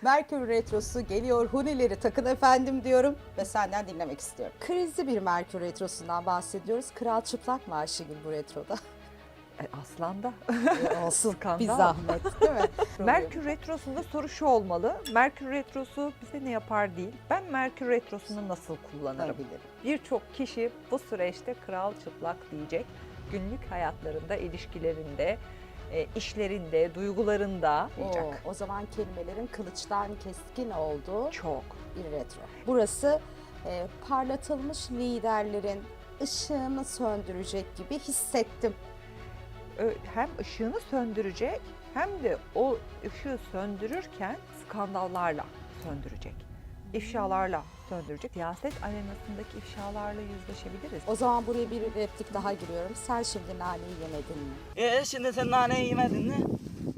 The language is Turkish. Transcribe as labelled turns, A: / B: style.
A: Merkür Retrosu geliyor, hunileri takın efendim diyorum ve senden dinlemek istiyorum. Krizli bir Merkür Retrosu'ndan bahsediyoruz. Kral çıplak mı Ayşegül bu retroda?
B: Aslan'da.
A: Olsun,
B: Skandal.
A: bir zahmet değil mi?
B: Merkür Retrosu'nda soru şu olmalı. Merkür Retrosu bize ne yapar değil. Ben Merkür Retrosu'nu nasıl kullanırım?
A: Olabilir.
B: Birçok kişi bu süreçte kral çıplak diyecek. Günlük hayatlarında, ilişkilerinde, işlerinde, duygularında diyecek.
A: O zaman kelimelerin kılıçtan keskin olduğu
B: Çok.
A: bir retro. Burası parlatılmış liderlerin ışığını söndürecek gibi hissettim.
B: Hem ışığını söndürecek hem de o ışığı söndürürken skandallarla söndürecek. İfşalarla söndürecek. Siyaset arenasındaki ifşalarla yüzleşebiliriz.
A: O zaman buraya bir replik daha giriyorum. Sen şimdi naneyi yemedin mi?
C: Şimdi sen nane yemedin mi?